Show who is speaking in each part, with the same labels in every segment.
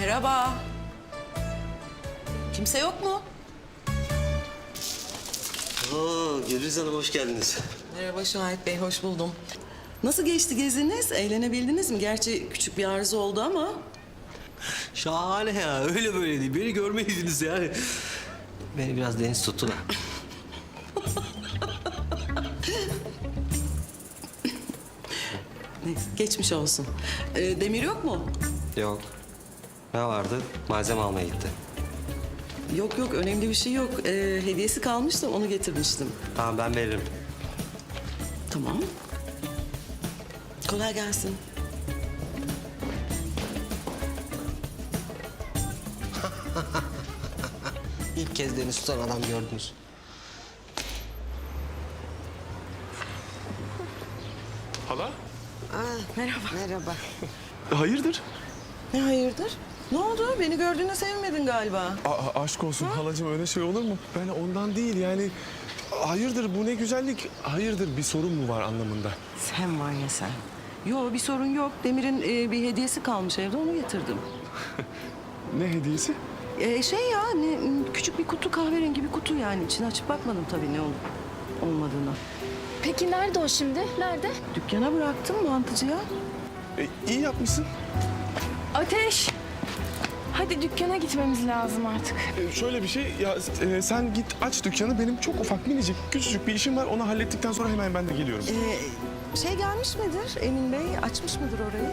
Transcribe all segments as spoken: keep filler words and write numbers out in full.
Speaker 1: Merhaba. Kimse yok mu?
Speaker 2: Oo, Gülriz Hanım hoş geldiniz.
Speaker 1: Merhaba Şahit Bey, hoş buldum. Nasıl geçti geziniz? Eğlenebildiniz mi? Gerçi küçük bir arıza oldu ama.
Speaker 2: Şahane ya, öyle böyle değil. Beni görmeydiniz yani. Beni biraz deniz tuttu da.
Speaker 1: Neyse, geçmiş olsun. Ee, Demir yok mu?
Speaker 2: Yok. Ne vardı? Malzeme almaya gitti.
Speaker 1: Yok yok, önemli bir şey yok. Ee, hediyesi kalmıştı, onu getirmiştim.
Speaker 2: Tamam ben veririm.
Speaker 1: Tamam. Kolay gelsin.
Speaker 2: İlk kez deniz tutan adam gördünüz.
Speaker 3: Hala?
Speaker 1: Merhaba.
Speaker 4: Merhaba.
Speaker 3: Hayırdır?
Speaker 1: Ne hayırdır? Ne oldu? Beni gördüğüne sevinmedin galiba.
Speaker 3: Aa, aşk olsun halacığım, öyle şey olur mu? Ben ondan değil yani. Hayırdır, bu ne güzellik? Hayırdır, bir sorun mu var anlamında?
Speaker 1: Sen var ya sen. Yo, bir sorun yok. Demir'in e, bir hediyesi kalmış evde, onu getirdim.
Speaker 3: Ne hediyesi?
Speaker 1: E, şey ya, ne, küçük bir kutu, kahverengi bir kutu yani. İçini açıp bakmadım tabii ne olup olmadığına.
Speaker 5: Peki nerede o şimdi? Nerede?
Speaker 1: Dükkana bıraktım mantıcıya.
Speaker 3: E, iyi yapmışsın.
Speaker 5: Ateş! Hadi dükkana gitmemiz lazım artık.
Speaker 3: E, şöyle bir şey, ya e, sen git aç dükkanı. Benim çok ufak, minicik, küçücük bir işim var. Onu hallettikten sonra hemen ben de geliyorum.
Speaker 1: E, şey gelmiş midir Emin Bey? Açmış mıdır orayı?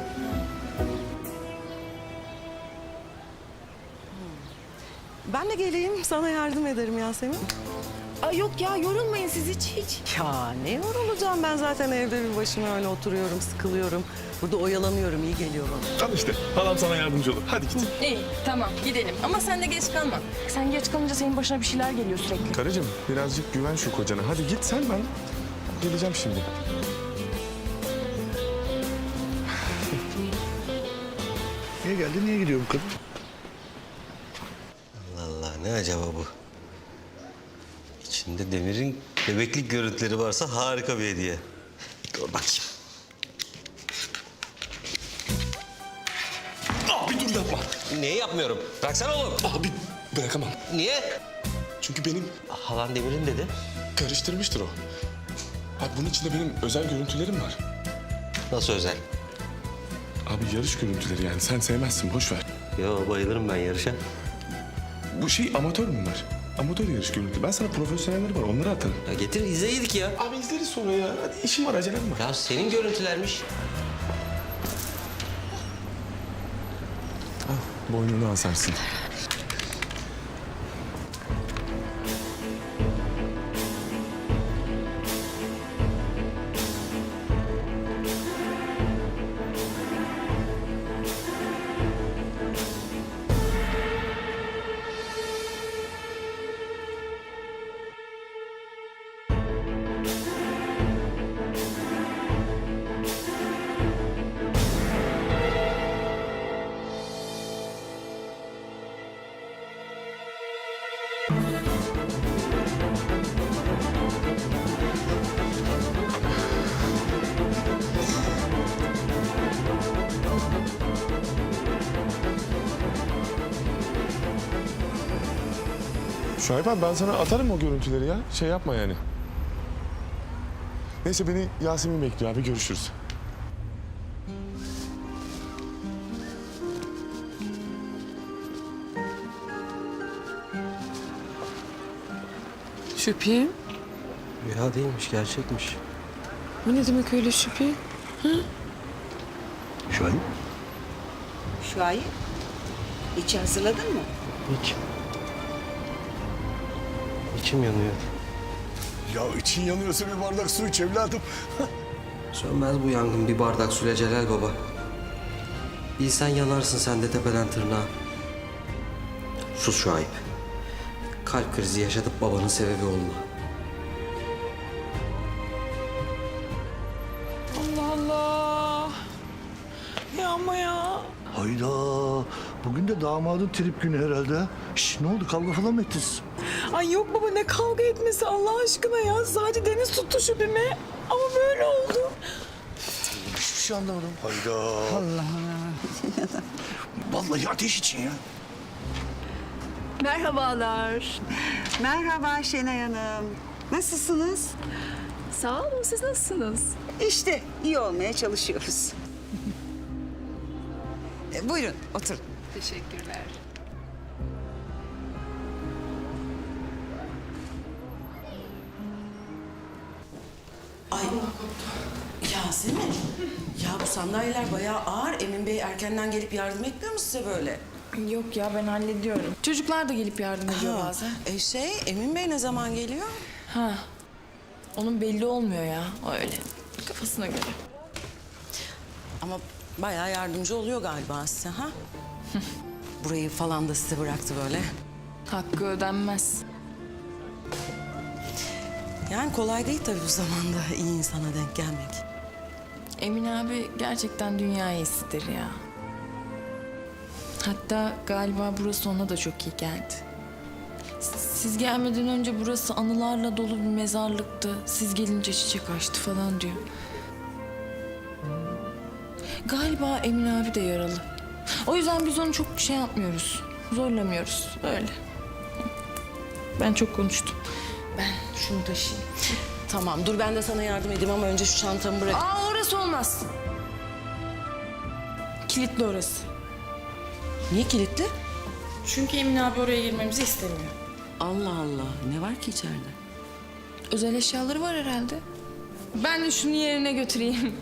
Speaker 1: Ben de geleyim, sana yardım ederim Yasemin.
Speaker 5: Ay yok ya, yorulmayın siz hiç hiç.
Speaker 1: Ya ne yorulacağım, ben zaten evde bir başıma öyle oturuyorum, sıkılıyorum. Burada oyalanıyorum, iyi geliyor bana.
Speaker 3: Al işte, halam sana yardımcı olur. Hadi git.
Speaker 5: İyi tamam gidelim ama sen de geç kalma. Sen geç kalınca senin başına bir şeyler geliyor sürekli.
Speaker 3: Karıcığım, birazcık güven şu kocana. Hadi git sen, ben geleceğim şimdi.
Speaker 6: Niye geldi, niye gidiyor bu kadın?
Speaker 2: Allah Allah, ne acaba bu? İçinde Demir'in bebeklik görüntüleri varsa harika bir hediye. Dur bakayım.
Speaker 3: Abi dur yapma.
Speaker 2: Niye yapmıyorum? Bıraksana oğlum.
Speaker 3: Abi bırakamam.
Speaker 2: Niye?
Speaker 3: Çünkü benim
Speaker 2: Halan Demir'in dedi.
Speaker 3: karıştırmıştır o. Abi bunun içinde benim özel görüntülerim var.
Speaker 2: Nasıl özel?
Speaker 3: Abi yarış görüntüleri yani. Sen sevmezsin, boş ver.
Speaker 2: Yo, bayılırım ben yarışa.
Speaker 3: Bu şey amatör bunlar. Amatör yarış görüntü. Ben sana profesyonelleri var, onları atarım.
Speaker 2: Ya getir izleydik ya.
Speaker 3: Abi izleriz sonra ya. Hadi işim var, acelem var.
Speaker 2: Ya senin görüntülermiş.
Speaker 3: Al, boynunu asarsın. Şuayb abi, ben sana atarım o görüntüleri ya. Şey yapma yani. Neyse, beni Yasemin bekliyor abi. Görüşürüz.
Speaker 7: Şüphi?
Speaker 2: Ya değilmiş, gerçekmiş.
Speaker 7: O ne demek öyle şüphi?
Speaker 2: Şu an
Speaker 4: Şuayb, içi hazırladın mı?
Speaker 2: hiç. İçim yanıyor.
Speaker 6: Ya için yanıyorsa bir bardak su iç evladım.
Speaker 2: Sönmez bu yangın bir bardak suyla Celal Baba. Bilsen yanarsın sen de tepeden tırnağa. Sus Şuayb. Kalp krizi yaşatıp babanın sebebi olma.
Speaker 7: Allah Allah. Ya ama ya.
Speaker 6: Hayda. Bugün de damadın trip günü herhalde. Şş, ne oldu, kavga falan mı ettiniz?
Speaker 7: Ay yok baba, ne kavga etmesi Allah aşkına ya. Sadece Deniz tuttu şüphimi. Ama böyle oldu.
Speaker 6: Hiçbir şey anlamadım. Hayda.
Speaker 4: Allah Allah. canım.
Speaker 6: Vallahi ateş için ya.
Speaker 8: Merhabalar.
Speaker 4: Merhaba Şenay Hanım. Nasılsınız?
Speaker 8: Sağ olun, siz nasılsınız?
Speaker 4: İşte iyi olmaya çalışıyoruz. E, buyurun oturun.
Speaker 8: Teşekkürler.
Speaker 1: Ay Yasemin. Ya bu sandalyeler bayağı ağır. Emin Bey erkenden gelip yardım etmiyor mu size böyle?
Speaker 5: Yok ya ben hallediyorum. Çocuklar da gelip yardım ediyor
Speaker 1: Ha,
Speaker 5: bazen.
Speaker 1: E şey Emin Bey ne zaman geliyor?
Speaker 5: Ha. Onun belli olmuyor ya. O öyle. Kafasına göre.
Speaker 1: Ama bayağı yardımcı oluyor galiba size ha? Burayı falan da size bıraktı böyle.
Speaker 5: Hakkı ödenmez.
Speaker 1: Yani kolay değil tabii bu zamanda iyi insana denk gelmek.
Speaker 5: Emin abi gerçekten dünya iyisidir ya. Hatta galiba burası ona da çok iyi geldi. S- Siz gelmeden önce burası anılarla dolu bir mezarlıktı. Siz gelince çiçek açtı falan diyor. Galiba Emin abi de yaralı. O yüzden biz onu çok şey yapmıyoruz. Zorlamıyoruz. Öyle. Ben çok konuştum. Ben şunu taşıyayım.
Speaker 1: Tamam dur ben de sana yardım edeyim ama önce şu çantamı bırak.
Speaker 5: Aa orası olmaz. Kilitli orası.
Speaker 1: Niye kilitli?
Speaker 5: Çünkü Emin abi oraya girmemizi istemiyor.
Speaker 1: Allah Allah ne var ki içeride?
Speaker 5: Özel eşyaları var herhalde. Ben de şunu yerine götüreyim.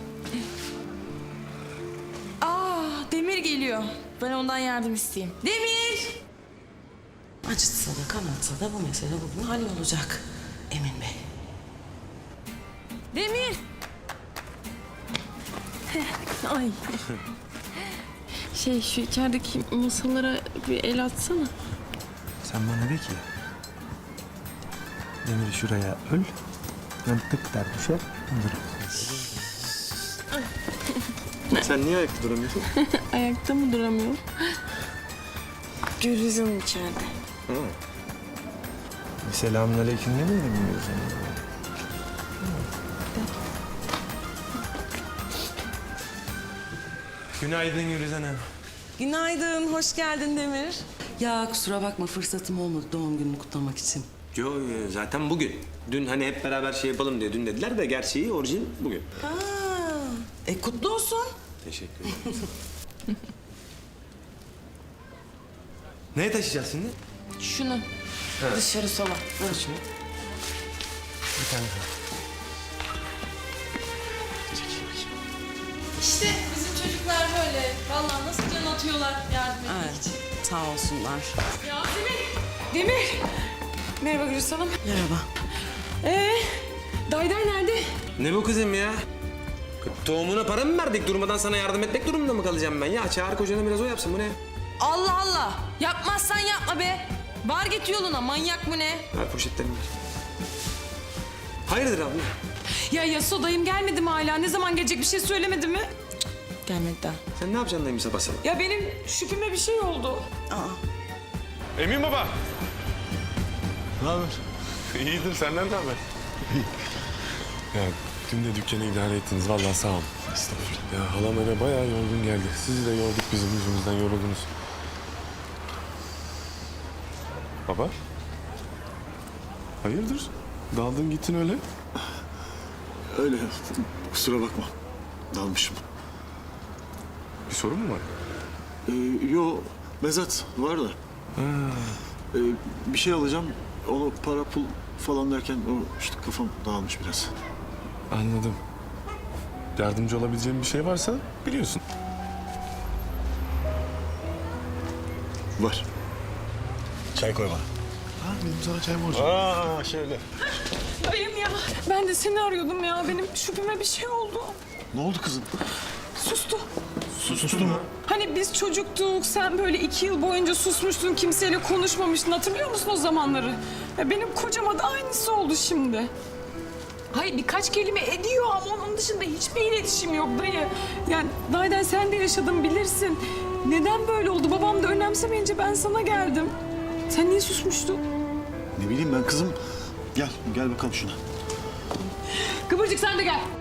Speaker 5: Aa Demir geliyor. Ben ondan yardım isteyeyim. Demir!
Speaker 1: Acıtsa da kanatsa da bu mesele bugün hallolacak Emin Bey.
Speaker 5: Demir! Ay. Şey şu içerideki masalara bir el atsana.
Speaker 3: Sen bana de ki... Demir şuraya öl. Ben tık der düşer. Sen niye ayakta duramıyorsun?
Speaker 5: Ayakta mı duramıyorum? Gülizim içeride.
Speaker 3: Bir selamünaleyküm demeyelim mi o zaman? Günaydın Gülizan Hanım.
Speaker 1: Günaydın, hoş geldin Demir. Ya kusura bakma fırsatım olmadı doğum gününü kutlamak için.
Speaker 9: Yo, yo, zaten bugün. Dün hani hep beraber şey yapalım diye dün dediler de gerçeği orijin bugün.
Speaker 1: Ha, e kutlu olsun.
Speaker 9: Teşekkür ederim. Neye taşıyacağız şimdi?
Speaker 5: Şunu. Dışarı sola.
Speaker 9: Ver şunu.
Speaker 3: Bir tane daha.
Speaker 5: İşte bizim çocuklar böyle. Vallahi nasıl can atıyorlar yardım etmek
Speaker 1: Evet,
Speaker 5: için.
Speaker 1: sağ olsunlar.
Speaker 5: Yasemin! Demir! Merhaba Gülüş Hanım.
Speaker 1: Merhaba.
Speaker 5: Ee, Dayday nerede?
Speaker 9: Ne bu kızım ya? Tohumuna para mı verdik? Durmadan sana yardım etmek durumunda mı kalacağım ben? Ya çağır kocanı biraz o yapsın. Bu ne?
Speaker 5: Allah Allah! Yapmazsan yapma be! Var git yoluna, manyak mı ne?
Speaker 9: Ver poşetlerimi ver. Hayırdır abla?
Speaker 7: Ya Yaso dayım gelmedi mi hala? Ne zaman gelecek bir şey söylemedi mi?
Speaker 5: Gelmedi daha.
Speaker 9: Sen ne yapacaksın dayım sabah sabah?
Speaker 7: Ya benim şüpheme bir şey oldu.
Speaker 3: Emin baba.
Speaker 6: Ne haber?
Speaker 3: İyidir senden ne haber? Ya dün de dükkanı idare ettiniz. Vallahi sağ olun. Estağfurullah. Ya halam eve bayağı yorgun geldi. Sizi de yorduk bizim yüzümüzden yoruldunuz. Baba? Hayırdır? Daldın gittin öyle.
Speaker 6: Öyle. Kusura bakma. Dalmışım.
Speaker 3: Bir sorun mu var?
Speaker 6: Ee, yo, mezat var da. Ee, bir şey alacağım. Onu para pul falan derken o işte kafam dağılmış biraz.
Speaker 3: Anladım. Yardımcı olabileceğim bir şey varsa biliyorsun.
Speaker 6: Var. Çay koy bana.
Speaker 3: Ha, benim sana çay borcum.
Speaker 6: Aa şöyle.
Speaker 7: Dayım ya. Ben de seni arıyordum ya. Benim şüpheme bir şey oldu.
Speaker 6: Ne oldu kızım?
Speaker 7: Sustu.
Speaker 6: Sustu mu?
Speaker 7: Hani biz çocuktuk, sen böyle iki yıl boyunca susmuştun, kimseyle konuşmamıştın. Hatırlıyor musun o zamanları? Ya benim kocama da aynısı oldu şimdi. Hayır birkaç kelime ediyor ama onun dışında hiçbir iletişim yok dayı. Yani Dayden sen de yaşadın bilirsin. Neden böyle oldu? Babam da önemsemeyince ben sana geldim. Sen niye susmuştun?
Speaker 6: Ne bileyim ben kızım. Gel, gel bakalım şuna.
Speaker 7: Kıvırcık sen de gel.